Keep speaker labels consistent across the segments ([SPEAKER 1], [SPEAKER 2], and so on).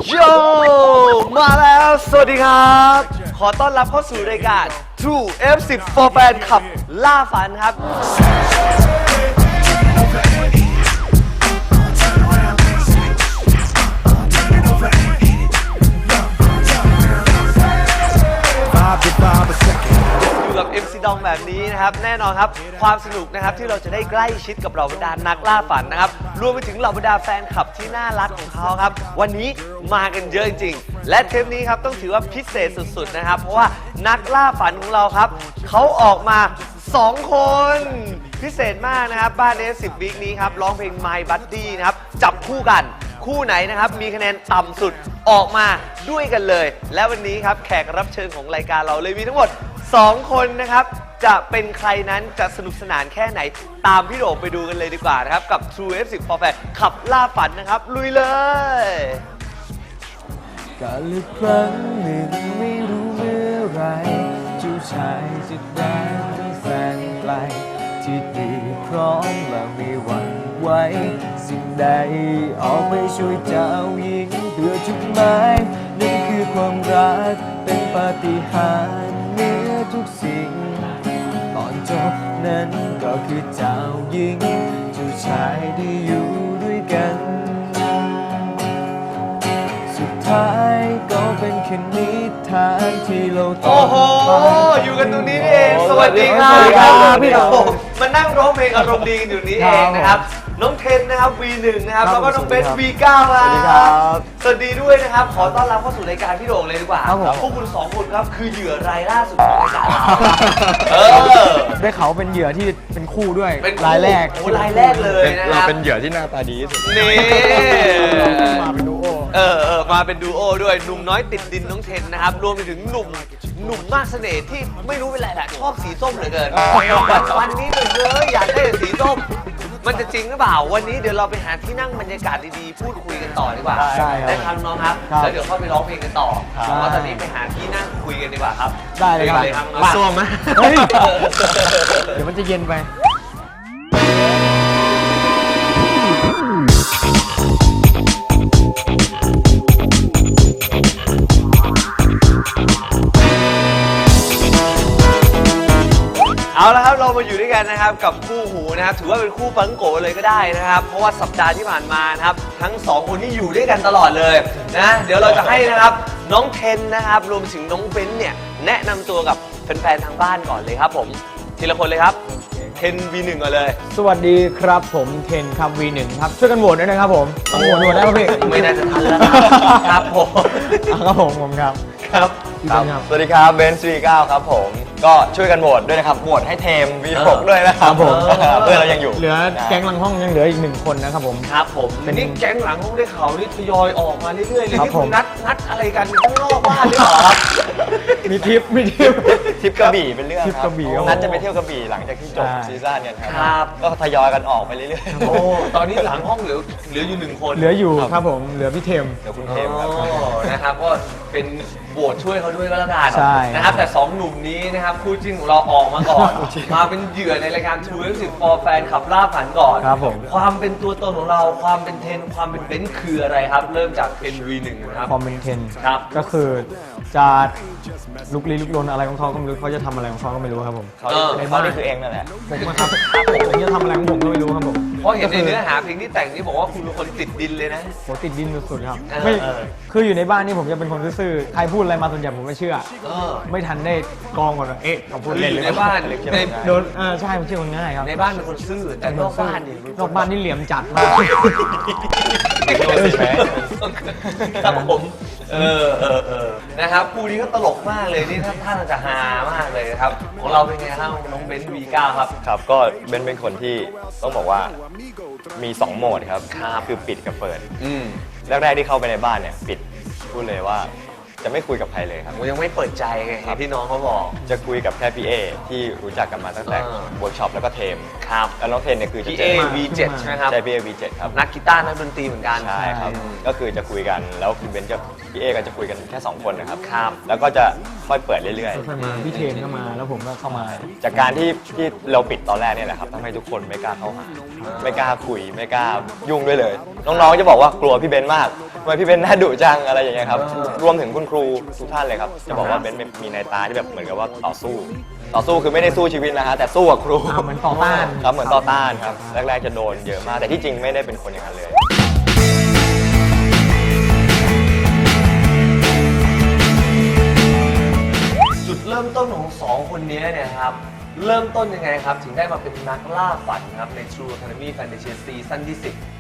[SPEAKER 1] โยมาแล้วสวัสดีครับ ขอต้อนรับเข้าสู่รายการ True F10 for Fan ขับล่าฝันครับอยู่กับ MC ดองแบบนี้นะครับแน่นอนครับความสนุกนะครับที่เราจะได้ใกล้ชิดกับเหล่าบรรดานักล่าฝันนะครับรวมไปถึงเหล่าบรรดาแฟนคลับที่น่ารักของเขาครับวันนี้มากันเยอะจริงๆและเทปนี้ครับต้องถือว่าพิเศษสุดๆนะครับเพราะว่านักล่าฝันของเราครับเขาออกมา2 คนพิเศษมากนะครับบ้าน F10 วีคนี้ครับร้องเพลง My Buddy นะครับจับคู่กันคู่ไหนนะครับมีคะแนนต่ำสุดออกมาด้วยกันเลยและวันนี้ครับแขกรับเชิญของรายการเราเลยมีทั้งหมด2 คนนะครับจะเป็นใครนั้นจะสนุกสนานแค่ไหนตามพี่โด่งไปดูกันเลยดีกว่านะครับกับ True F10 for Fan ขับล่าฝันนะครับลุยเลย
[SPEAKER 2] กาลครั้งหนึ่งไม่รู้เมื่อไรเจ้าชายจะได้เป็นแฟนไกลที่ดีพร้อมและไม่หวั่นไหวสิ่งใดออกไปช่วยเจ้าหญิงเพื่อจุดหมายนั่นคือความรักเป็นปาฏิหาริย์เหนือทุกสิ่งตอนจบนั้นก็คือเจ้าหญิงเจ้าชายที่อยู่ด้วยกันสุดท้ายก็เป็นแค่นิทานที่เราต้อง
[SPEAKER 1] โอ้โหอยู่กันตรงนี้นี่เองสวัสดีครับพี่โด่งมานั่งร้องเพลงอารมณ์ดีกันอยู่นี้เองนะครับน้องเทนนะครับ V1 นะครับแล้วก็น้องเบส V9 ครับสวัสดีด้วยนะครับขอต้อนรับเข้าสู่รายการพี่โด่งเลยดีกว่าพวกคุณ2 คนครับคือเหยื่อรายล่าสุดของรายการ
[SPEAKER 2] ได้เขาเป็นเหยื่อที่เป็นคู่ด้วย
[SPEAKER 1] เป็น
[SPEAKER 2] รายแรก
[SPEAKER 1] โอ้รายแรกเลยนะค
[SPEAKER 3] เรา
[SPEAKER 1] รับ
[SPEAKER 3] เป็นเหยื่อที่หน้าตาดีที่สุด
[SPEAKER 1] นี่
[SPEAKER 2] มาเป็นดูโอ
[SPEAKER 1] มาเป็นดูโอด้วยหนุ่มน้อยติดดินน้องเทนนะครับรวมไปถึงหนุ่มมากเสน่ห์ที่ไม่รู้เป็นไรแหละชอบสีส้มเหลือเกินวันนี้เลยอยากได้สีส้มมันจะจริงหรือเปล่าวันนี้เดี๋ยวเราไปหาที่นั่งบรรยากาศดีๆพูดคุยกันต่อดีกว่า
[SPEAKER 2] ใช่ครับ
[SPEAKER 1] ได้ครับน้องครับแล้วเดี๋ยวเข้าไปร้องเพลงกันต่อเพราะว่าตอนนี้ไปหาที่นั่งคุยกันดีกว่าครับ
[SPEAKER 2] ได้เลยครับ
[SPEAKER 1] ครับ
[SPEAKER 3] มาส้วมไหม
[SPEAKER 2] เฮ้ยเดี๋ยวมันจะเย็นไป
[SPEAKER 1] เอาละครับเรามาอยู่ด้วยกันนะครับกับคู่หูนะครับถือว่าเป็นคู่ปังโกเลยก็ได้นะครับเพราะว่าสัปดาห์ที่ผ่านมานะครับทั้ง2 คนที่อยู่ด้วยกันตลอดเลยนะเดี๋ยวเราจะให้นะครับน้องเทนนะครับรวมถึงน้องเบนซ์เนี่ยแนะนำตัวกับแฟนๆทางบ้านก่อนเลยครับผมทีละคนเลยครับเทน V1 ก่อนเลย
[SPEAKER 2] สวัสดีครับผมเทนครับ V1 ครับช่วยกันโหวตด้วยนะครับผมต้องโหวตได้ป่ะพี่
[SPEAKER 1] ไม่น่าจะทันแล้วครับผม
[SPEAKER 2] ครับผมครับ
[SPEAKER 1] ครับ
[SPEAKER 3] สวัสดีครับเบนซ์ V9 ครับผมก็ช่วยกันโหวตด้วยนะครับโหวตให้เทม V6 ด้วยนะครับผมเพื่อนเรายังอยู่
[SPEAKER 2] เหลือแก๊งหลังห้องยังเหลืออีก1 คนนะครับผม
[SPEAKER 1] ครับผมนี่แก๊งหลังห้องได้ข่าวนี่ทยอยออกมาเรื่อยๆเลย
[SPEAKER 2] ครับ
[SPEAKER 1] ที่
[SPEAKER 2] ผ
[SPEAKER 1] คุ
[SPEAKER 2] ม
[SPEAKER 1] ณนัดอะไรกันข้างนอกบ้านหรือเปล่าครับ
[SPEAKER 2] มีทิป
[SPEAKER 3] ทริปกระบี่เป็นเรื่อง
[SPEAKER 2] ทริป
[SPEAKER 3] ค
[SPEAKER 2] ก
[SPEAKER 3] รั
[SPEAKER 2] ระบี่ครับ
[SPEAKER 3] นัดจะไปเที่ยวกระบี่หลังจากที่จบ
[SPEAKER 2] ใช่
[SPEAKER 3] ซีซั่นเนี่ยค
[SPEAKER 1] ครั
[SPEAKER 3] รับ ก็ทยอยกันออกไปเรื่อยๆ
[SPEAKER 1] โอ้ตอนนี้หลังห้องเหลืออยู่1 คน
[SPEAKER 2] เหลืออยู่ครับผมเหลือพี่เทม
[SPEAKER 3] เดี๋ยวคุณเทมครับ
[SPEAKER 1] อ๋อนะครับก็เป็นโหวตช่วยเขาด้วยก็แล้วกัน
[SPEAKER 2] ใช่
[SPEAKER 1] นะครับแต่2 หนุ่มนี้นะครับคู่จิ้นของเราออกมาก่อนมาเป็นเหยื่อในรายการ True F10 for Fan ขับล่าฝันก่อน
[SPEAKER 2] ครับผม
[SPEAKER 1] ความเป็นตัวตนของเราความเป็นเทนความเป็นเบนซ์คืออะไรครับ เริ่มจากเป็น V1 นะครับ
[SPEAKER 2] คอมเมนเทน
[SPEAKER 1] ครับ
[SPEAKER 2] ก็คือจะลุกลี้ลุกลนอะไรของเขาก็ไม่รู้เขาจะทำอะไรของเขาก็ไม่รู้ครับผม
[SPEAKER 3] เขานี่คือเองนั่นแหละ
[SPEAKER 2] ผมนะครับผมจะทำอะไรของผมก็ไม่รู้ครับผม
[SPEAKER 1] เพราะเห็นในเนื้อหาเพลงที่แต่งนี่บอกว่าคุณเป็นคนติดดินเลยนะ
[SPEAKER 2] โหติดดินสุดๆครับ
[SPEAKER 1] เออ
[SPEAKER 2] ไม่
[SPEAKER 1] เออ
[SPEAKER 2] คืออยู่ในบ้านนี่ผมจะเป็นคนซื่อๆใครพูดอะไรมาส่วนใหญ่ผมไม่เชื่อ
[SPEAKER 1] เออ
[SPEAKER 2] ไม่ทันได้กรองก่อนว่าเอ๊ะเขาพูด
[SPEAKER 1] คือ
[SPEAKER 2] เล่น
[SPEAKER 1] อ
[SPEAKER 2] หรื
[SPEAKER 1] ยู่
[SPEAKER 2] อ
[SPEAKER 1] ใน
[SPEAKER 2] เปล่า
[SPEAKER 1] บ้านใน
[SPEAKER 2] โดนใช่ผมเชื่อคนง่ายครับ
[SPEAKER 1] ในบ้านเป็นคนซื่อแต่นอกบ้านนี่
[SPEAKER 2] นอกบ้านนี่เหลี่ยมจัดมาก
[SPEAKER 1] ครับผมนะครับคู่นี้ก็ตลกมากเลยนี่ท่านจะฮามากเลยนะครับของเราเป็นไงครับน้องเบนซ์ V9 ครับ
[SPEAKER 3] ครับก็เบนซ์เป็นคนที่ต้องบอกว่ามี2 โหมดครับ
[SPEAKER 1] ครับ
[SPEAKER 3] คือปิดกับเปิด
[SPEAKER 1] อืม
[SPEAKER 3] แรกๆที่เข้าไปในบ้านเนี่ยปิดพูดเลยว่าจะไม่คุยกับใครเลยครับ
[SPEAKER 1] ผมยังไม่เปิดใจไงเห็นที่น้องเขาบอก
[SPEAKER 3] จะคุยกับแค่พี่เอที่รู้จักกันมาตั้งแต่
[SPEAKER 1] อ่า
[SPEAKER 3] เวิร์กช็อปแล้วก็เทม
[SPEAKER 1] ครับ
[SPEAKER 3] แล้วน้องเทนเนี่ยคือจะ
[SPEAKER 1] พี่
[SPEAKER 3] เจ
[SPEAKER 1] เอ
[SPEAKER 3] อ
[SPEAKER 1] V7 ใช่ไหมครับ
[SPEAKER 3] ใช่พี่เอ V7 ครับ
[SPEAKER 1] นักกีตาร์นักดนตรีเหมือนกัน
[SPEAKER 3] ใช่ครับ
[SPEAKER 1] อืม
[SPEAKER 3] ก็คือจะคุยกันแล้วคุณเบนซ์กับพี่เอก็จะคุยกันแค่2 คนนะครับ
[SPEAKER 1] ครับ
[SPEAKER 3] แล้วก็จะค่อยเปิดเรื่อย
[SPEAKER 2] ค่อยๆมาพี่เทมก็มาแล้วผมก็เข้ามา
[SPEAKER 3] ๆ จากการที่เราปิดตอนแรกเนี่ยแหละครับทำให้ทุกคนไม่กล้าเข้าหาไม่กล้าคุยไม่กล้ายุ่งด้วยเลย น้องๆจะบอกว่ากลัวพี่เบนซ์มากทำไมพี่เบนซ์หน้าดุจังอะไรอย่างเงี้ยครับรวมถึงคุณครูทุกท่านเลยครับจะบอกว่าเบนซ์มีในตาที่แบบเหมือนกับว่าต่อสู้คือไม่ได้สู้ชีวิตนะฮะแต่สู้กับครู
[SPEAKER 2] เหมือนต่อต้าน
[SPEAKER 3] ครับเหมือนต่อต้านครับแรกๆจะโดนเยอะมากแต่ที่จริงไม่ได้เป็นคนอย่างนั้นเลย
[SPEAKER 1] จุดเริ่มต้นของสองคนนี้เนี่ยครับเริ่มต้นยังไงครับถึงได้มาเป็นนักล่าฝันครับใน True Academy Fantasy ซีซั่นที่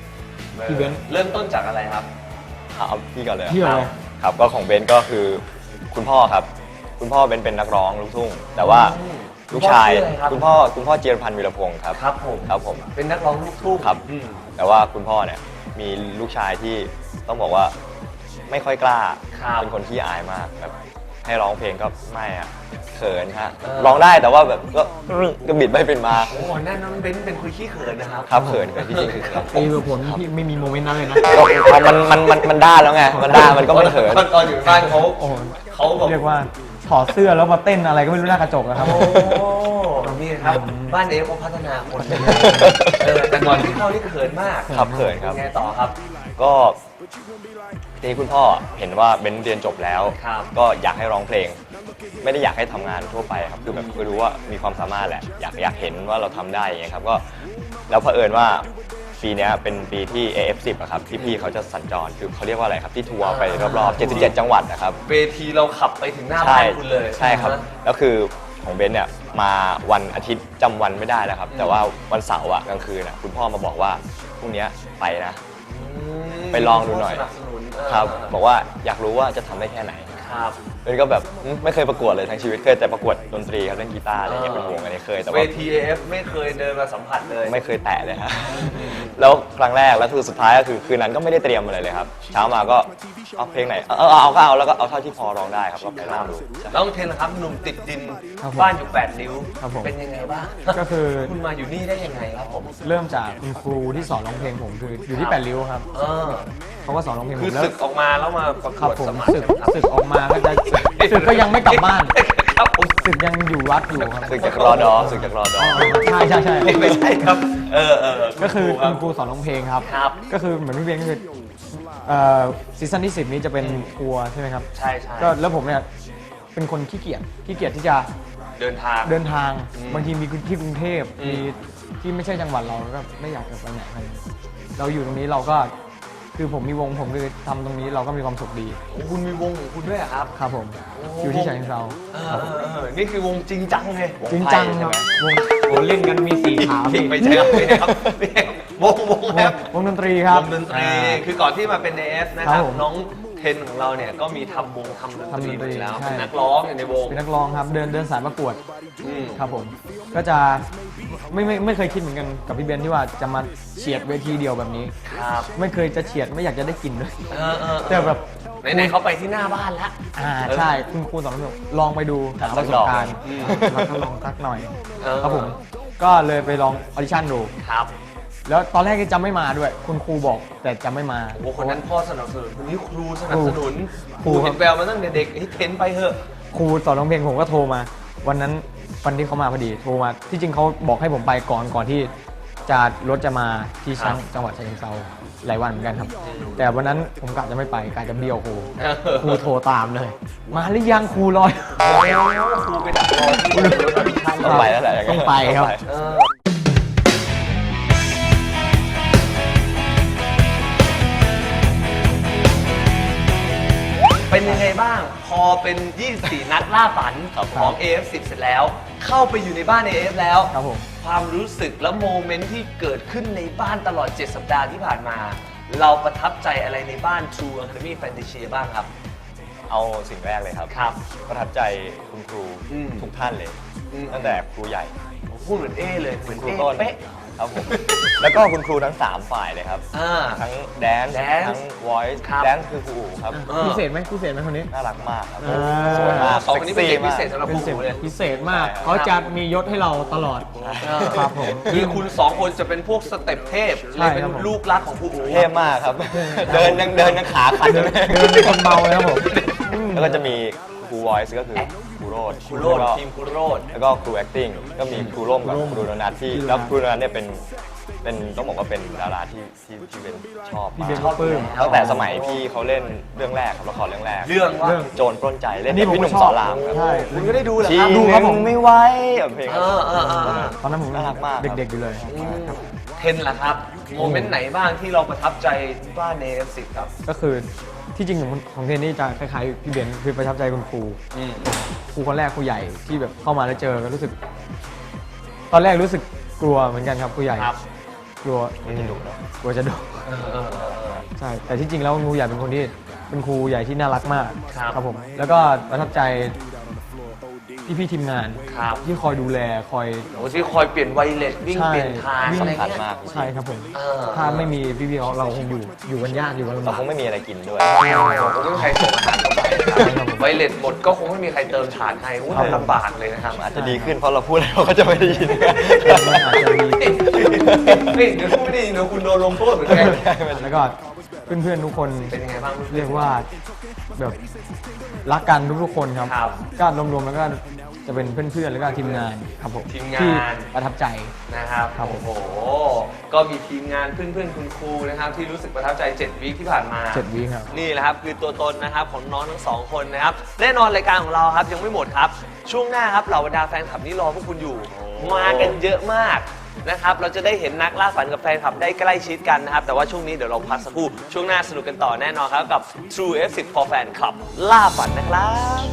[SPEAKER 1] 10
[SPEAKER 2] พี่เบนซ์
[SPEAKER 1] เริ่มต้นจากอะไรครับ
[SPEAKER 3] เอาพี่ก่อนเลย
[SPEAKER 2] พี่ก่อนเลย
[SPEAKER 3] ครับก็ของเบนซ์ก็คือคุณพ่อครับคุณพ่อเบนซ์เป็นนักร้องลูกทุ่งแต่ว่าลูกชายคุณพ่อเจียรพันธ์วีรพงศ์ครับ
[SPEAKER 1] ครับผม
[SPEAKER 3] ครับผม
[SPEAKER 1] เป็นนักร้องลูกทุ่ง
[SPEAKER 3] ครับ
[SPEAKER 1] อืม
[SPEAKER 3] แต่ว่าคุณพ่อเนี่ยมีลูกชายที่ต้องบอกว่าไม่ค่อยกล้า
[SPEAKER 1] ครับ
[SPEAKER 3] เป็นคนที่อายมากแบบให้ร้องเพลงก็ไม่อะเขินฮะร้องได้แต่ว่าแบบก็บิดไม่เป็นมา
[SPEAKER 1] โอ้โหนั่นน้องเบนซ์เป็นคุยขี้เขินนะครับ
[SPEAKER 3] ครับเขินที่จริงคือเขิน
[SPEAKER 2] ตีผลพี่ไม่มีโมเมนต์นั้นเลยนะ
[SPEAKER 3] ก็มันได้แล้วไงมันได้มันก็ไม่เขิน
[SPEAKER 1] ตอนอยู่บ้านเขา
[SPEAKER 2] โอ้โห
[SPEAKER 1] เขาแบบ
[SPEAKER 2] เรียกว่าถอดเสื้อแล้วมาเต้นอะไรก็ไม่รู้หน้ากระจกนะครับ
[SPEAKER 1] โอ้นี่ครับบ้านเอฟเขาพัฒนาคนแต่ก่อนที่เข้านี่เขินมาก
[SPEAKER 3] ครับเขินครับ
[SPEAKER 1] ไงต่อครับ
[SPEAKER 3] ก็ทีนี้คุณพ่อเห็นว่าเบนเรียนจบแล้ว
[SPEAKER 1] ครับ
[SPEAKER 3] ก็อยากให้ร้องเพลง ไม่ได้อยากให้ทำงานทั่วไปครับคือแบบคือรู้ว่ามีความสามารถแหละอยากเห็นว่าเราทำได้อย่างเงี้ยครับก็แล้วเผอิญว่าปีเนี้ยเป็นปีที่ AF10 อะครับที่พี่เขาจะสัญจรคือเขาเรียกว่าอะไรครับที่ทัวร์ไปรอบๆ77 จังหวัดนะครับ
[SPEAKER 1] เวทีเราขับไปถึงหน้าบ้านคุณเลย
[SPEAKER 3] ใช่ครับแล้วคือของเบนเนี่ยมาวันอาทิตย์จำวันไม่ได้แล้วครับแต่ว่าวันเสาร์อะกลางคืนอะคุณพ่อมาบอกว่าพรุ่งนี้ไปนะ ไปลองดูหน่อย
[SPEAKER 1] สนับสนุน
[SPEAKER 3] ครับบอกว่าอยากรู้ว่าจะทำได้แค่ไหน
[SPEAKER 1] ครับ
[SPEAKER 3] เบนก็แบบไม่เคยประกวดเลยทั้งชีวิตเคยแต่ประกวดดนตรีครับเล่นกีตาร์อะไรเงี้ยเป็นวงอะไรเคยแต่
[SPEAKER 1] เว
[SPEAKER 3] ว่า
[SPEAKER 1] ที AF ไม่เคยเดินมาสัมผัสเลย
[SPEAKER 3] ไม่เคยแตะเลยฮะ แล้วครั้งแรกแล้วคือสุดท้ายก็คือคืนนั้นก็ไม่ได้เตรียมอะไรเลยครับเช้ามาก็เอาเพลงไหนเอาก็เอาแล้วก็เอาเท่าที่พอร้องได้ครับก็ไปลองดูใช่
[SPEAKER 1] ต้องเทนนะครับหนุ่มติดดิน
[SPEAKER 2] ครับผม
[SPEAKER 1] บ้านอยู่ 8 นิ้ว
[SPEAKER 2] ครับผม
[SPEAKER 1] เป็นยังไงบ้าง
[SPEAKER 2] ก็คือ
[SPEAKER 1] คุณมาอยู่นี่ได้ยังไงครับผม
[SPEAKER 2] เริ่มจากคุณครูที่สอนร้องเพลงผมคืออยู่ที่แปดริ้วครับ
[SPEAKER 1] เออ
[SPEAKER 2] เขาก็สอนร้องเพลงผ
[SPEAKER 1] คือ
[SPEAKER 2] มแล้ว
[SPEAKER 1] ศึกออกมาแล้วมาประก
[SPEAKER 2] ครับ
[SPEAKER 1] วด
[SPEAKER 2] ผม
[SPEAKER 1] สมัคร
[SPEAKER 2] ศึกออกมาก็จะศึกก็ยังไม่กลับบ้าน
[SPEAKER 1] ครับผม
[SPEAKER 2] ศึกยังอยู่วัดอยู่ครับ
[SPEAKER 3] สึกจากรอดอสึกจากรอดอ
[SPEAKER 2] ใช่
[SPEAKER 1] ไม่ใช่ครับ
[SPEAKER 2] ก็คือ
[SPEAKER 1] รั
[SPEAKER 2] คุ
[SPEAKER 1] บ
[SPEAKER 2] ณครูสอนร้องเพลงครับ
[SPEAKER 1] ครับ
[SPEAKER 2] ก็คือเหมือนพี่เบนก็คือซีซั่นที่ 10 นี้จะเป็นทัวร์ใช่ไหมครับ
[SPEAKER 1] ใช่ใช่
[SPEAKER 2] ก็แล้วผมเนี่ยเป็นคนขี้เกียจที่จะ
[SPEAKER 1] เดินทาง
[SPEAKER 2] เดินทาง
[SPEAKER 1] อืม
[SPEAKER 2] บางทีมีที่กรุงเทพ
[SPEAKER 1] อืม
[SPEAKER 2] มีที่ไม่ใช่จังหวัดเราก็ไม่อยากจะไปไหนกันเราอยู่ตรงนี้เราก็คือผมมีวงผมคือทำตรงนี้เราก็มีความสุขดี
[SPEAKER 1] โอ้คุณมีวงของคุณด้วยเหรอครับ
[SPEAKER 2] ครับผม
[SPEAKER 1] โอ้
[SPEAKER 2] อยู่ที่ฉะเชิงเทรา
[SPEAKER 1] นี่คือวงจริงจังเลย
[SPEAKER 2] จริงจังครับวงโอ้เล่นกันมี4ขาพี่
[SPEAKER 1] ไม่ใช่ครับไม่ใช่ครับวงครับ
[SPEAKER 2] วงดนตรีครับ
[SPEAKER 1] วงดนตรีคือก่อนที่มาเป็น AF นะค
[SPEAKER 2] ครั
[SPEAKER 1] รับบ
[SPEAKER 2] ผม
[SPEAKER 1] น้องเทนของเราเนี่ยก็มีทำวงทำดนตรีมาอยู่แล้ว
[SPEAKER 2] ใช่
[SPEAKER 1] เป็นนักร้องอยู่ในวง
[SPEAKER 2] เป็นนักร้องครับเดินสายประกวด
[SPEAKER 1] อืม
[SPEAKER 2] ครับผมก็จะไม่เคยคิดเหมือนกันกับพี่เบนที่ว่าจะมาเฉียดเวทีเดียวแบบนี้
[SPEAKER 1] ครับ
[SPEAKER 2] ไม่เคยจะเฉียดไม่อยากจะได้กินด้วย
[SPEAKER 1] แต่
[SPEAKER 2] แต่แบบ
[SPEAKER 1] ไหนๆเขาไปที่หน้าบ้านแล้ว
[SPEAKER 2] ใช่คุณครูสอนผมลองไปดูหาประสบการณ์
[SPEAKER 1] อืม
[SPEAKER 2] แล้วก็ลองสักหน่อย
[SPEAKER 1] เออ
[SPEAKER 2] ครับผมก็เลยไปลองออดิชั่นดู
[SPEAKER 1] ครับ
[SPEAKER 2] แล้วตอนแรกก็จะไม่มาด้วย คุณครูบอกแต่จะไม่มา
[SPEAKER 1] โอ้คนนั้นพ่อสนับสนุนคนนี้ครูสนับสนุน
[SPEAKER 2] ครู
[SPEAKER 1] เห็นแววมาตั้งแต่เด็กเฮ้ยเทนไปเถอะ
[SPEAKER 2] ครูสอนร้องเพลงผมก็โทรมา วันนั้นวันที่เขามาพอดีโทรมาที่จริงเขาบอกให้ผมไปก่อนที่จะรถจะมาที่
[SPEAKER 1] ครับ
[SPEAKER 2] จังหวัดฉะเชิงเทราหลายวันเหมือนกันครับ แต่วันนั้นผมกะจะไม่ไปกะจะเบี้ยวครูครูโทรตามเลย มาหรือยังครูรอย
[SPEAKER 1] โอ้ครูไปดักรอที่รถออดิชั่น
[SPEAKER 3] ต้องไปแล้วแหละย่านั้น
[SPEAKER 2] ต้องไปครับ
[SPEAKER 1] เออเป็นยังไงบ้าง พอเป็น 24 นัดล่าฝันของ AF10 เสร็จแล้ว เข้าไปอยู่ในบ้าน AF แล้ว
[SPEAKER 2] ครับผม
[SPEAKER 1] ความรู้สึกและโมเมนต์ที่เกิดขึ้นในบ้านตลอด 7 สัปดาห์ที่ผ่านมา เราประทับใจอะไรในบ้าน True Academy Fantasy บ้างครับ
[SPEAKER 3] เอาสิ่งแรกเลยครับ
[SPEAKER 1] ครับ
[SPEAKER 3] ประทับใจคุณครู
[SPEAKER 1] อืม
[SPEAKER 3] ทุกท่านเลย
[SPEAKER 1] อืม
[SPEAKER 3] ตั้งแต่ครูใหญ่
[SPEAKER 1] พูดเหมือนเอเลยเหมือน
[SPEAKER 3] ครู
[SPEAKER 1] เอ
[SPEAKER 3] ต้น
[SPEAKER 1] เป๊ะ
[SPEAKER 3] ครับผม แล้วก็คุณครูทั้ง 3 ฝ่ายเลยครับ
[SPEAKER 1] อ่า
[SPEAKER 3] ทั้งแดนซ์
[SPEAKER 1] Dance
[SPEAKER 3] ทั้ง voice
[SPEAKER 1] ครับ
[SPEAKER 3] แดนซ์คือครูอู๋ครับ
[SPEAKER 1] เออ
[SPEAKER 2] พิเศษไหมพิเศษไหมคนนี้
[SPEAKER 3] น่ารักมากครับ
[SPEAKER 2] อ่า
[SPEAKER 3] สวยมาก
[SPEAKER 1] สองคนนี้เป็นเด็กพิ
[SPEAKER 3] มาก
[SPEAKER 1] เศษสำหรับ
[SPEAKER 2] เป็น
[SPEAKER 1] ครูเลย
[SPEAKER 2] พิเศษมาก
[SPEAKER 3] ใช่ครับ
[SPEAKER 2] เขาจะมียศให้เราตลอด ครับผม
[SPEAKER 1] คือคุณสองคนจะเป็นพวกสเต็ปเทพ
[SPEAKER 2] ใช่
[SPEAKER 1] เลยเป็น
[SPEAKER 2] ครับผม
[SPEAKER 1] ลูกรักของครูอู๋
[SPEAKER 3] เท่มากครับ เดินยังขาขัดอยู่เลย
[SPEAKER 2] เดินเป็นคนเมาเลยครับผม
[SPEAKER 3] แล้วก็จะมีครู voice ก็คือครูโรด
[SPEAKER 1] ครูโรดทีมครูโรด
[SPEAKER 3] แล้วก็ครู acting ก็มีครูร่มกับครูโดนัทที่แล้วครูโดนัทเนี่ยเป็นเป็นต้องบอกว่าเป็นดาราที่เป็นชอบ
[SPEAKER 2] พี่
[SPEAKER 3] มา
[SPEAKER 2] เบน
[SPEAKER 3] ก
[SPEAKER 2] ก็ปลื้ม
[SPEAKER 3] ตั้งแต่สมัยพี่เขาเล่นเรื่องแรกครับละครเรื่องแรก
[SPEAKER 1] เรื่องว่า
[SPEAKER 3] โจรปล้นใจเล่น
[SPEAKER 2] นี่
[SPEAKER 3] กับ
[SPEAKER 2] ผม
[SPEAKER 3] พี่หนุ่ม
[SPEAKER 2] ก็ช
[SPEAKER 3] ส
[SPEAKER 2] อบ
[SPEAKER 3] อนรามครับ
[SPEAKER 2] ใช่
[SPEAKER 1] คุณก็ได้ดูเหรอ
[SPEAKER 3] ที
[SPEAKER 1] ครับ
[SPEAKER 2] ดู
[SPEAKER 3] ห
[SPEAKER 2] ครับ
[SPEAKER 3] นึ่
[SPEAKER 2] ผม
[SPEAKER 3] งไม่ไหวแบบเพลง
[SPEAKER 2] ตอนนั้นผม
[SPEAKER 3] น่ารักมากครับ
[SPEAKER 2] เด็กๆอยู่เลย
[SPEAKER 1] เทนล่ะครับ โมเมนต์ไหนบ้างที่เราประทับใจบ้านใน F10 ครับ
[SPEAKER 2] ก็คือที่จริงของเทนนี่จะคล้ายๆพี่เบนซ์คือประทับใจคุณครูครูคนแรกครูใหญ่ที่แบบเข้ามาแล้วเจอก็รู้สึก ตอนแรกรู้สึกกลัวเหมือนกันครับครูใหญ่
[SPEAKER 1] ครับ
[SPEAKER 2] กลัวจะดุกลัวจะดุใช่แต่ที่จริงแล้วครูใหญ่เป็นคนที่เป็นครูใหญ่ที่น่ารักมาก
[SPEAKER 1] ครับ
[SPEAKER 2] ผมแล้วก็ประทับใจพี่ทีมงาน
[SPEAKER 1] ครับ
[SPEAKER 2] ที่คอยดูแลคอย
[SPEAKER 1] โอ้ที่คอยเปลี่ยนไวเลสวิ่ง
[SPEAKER 2] ใช่
[SPEAKER 1] เปลี่ยนทางอะไร
[SPEAKER 3] สำคัญ
[SPEAKER 1] เงี้ย
[SPEAKER 3] มาก
[SPEAKER 2] ใช่ครับผม
[SPEAKER 1] เออ
[SPEAKER 2] ถ้าไม่มีพี่ๆเราคงอยู่กันยากอยู่กันลำ
[SPEAKER 3] เรา
[SPEAKER 2] บาก
[SPEAKER 3] คงไม่มีอะไรกินด้วย
[SPEAKER 1] คงไม่มีใครส่งอาหารเข้าไปนะครับไวเลสหมดก็คงไม่มีใครเติมถ่านให้โอ้ยลำบากเลยนะครับ
[SPEAKER 3] อาจจะดีขึ้นเพราะเราพูดแล้วเขาจะไม่ได้ยิน
[SPEAKER 2] มันอาจจะมี
[SPEAKER 1] นี่เดี๋ยวพูดไม่ดีเดี๋ยวคุณโดนลงโทษเหมือนกัน
[SPEAKER 2] แล้วก็เพื่อนๆทุกคน
[SPEAKER 1] เป็นยังไงบ้าง
[SPEAKER 2] เรียกว่าแบบรักกันทุกๆคนครับ
[SPEAKER 1] ครับ
[SPEAKER 2] ก็รวมๆแล้วก็จะเป็นเพื่อนๆแล้วก็ทีมงานครับผม
[SPEAKER 1] ทีมงาน
[SPEAKER 2] ที่ประทับใจ
[SPEAKER 1] นะครับ
[SPEAKER 2] ครับผม
[SPEAKER 1] โอ้โห ก็มีทีมงานเพื่อนๆคุณครูนะครับที่รู้สึกประทับใจ7 วีคที่ผ่านมา
[SPEAKER 2] 7 วีคครับ
[SPEAKER 1] นี่แหละครับคือตัวตนนะครับของน้องทั้งสองคนนะครับแน่นอนรายการของเราครับยังไม่หมดครับ ช่วงหน้าครับเหล่าบรรดาแฟนคลับนี่รอพวกคุณอยู่ มากันเยอะมากนะครับเราจะได้เห็นนักล่าฝันกับแฟนคลับได้ใกล้ชิดกันนะครับแต่ว่าช่วงนี้เดี๋ยวเราพักสักครู่ช่วงหน้าสนุกกันต่อแน่นอนครับกับ True F10 for Fan Club ล่าฝันนะครับ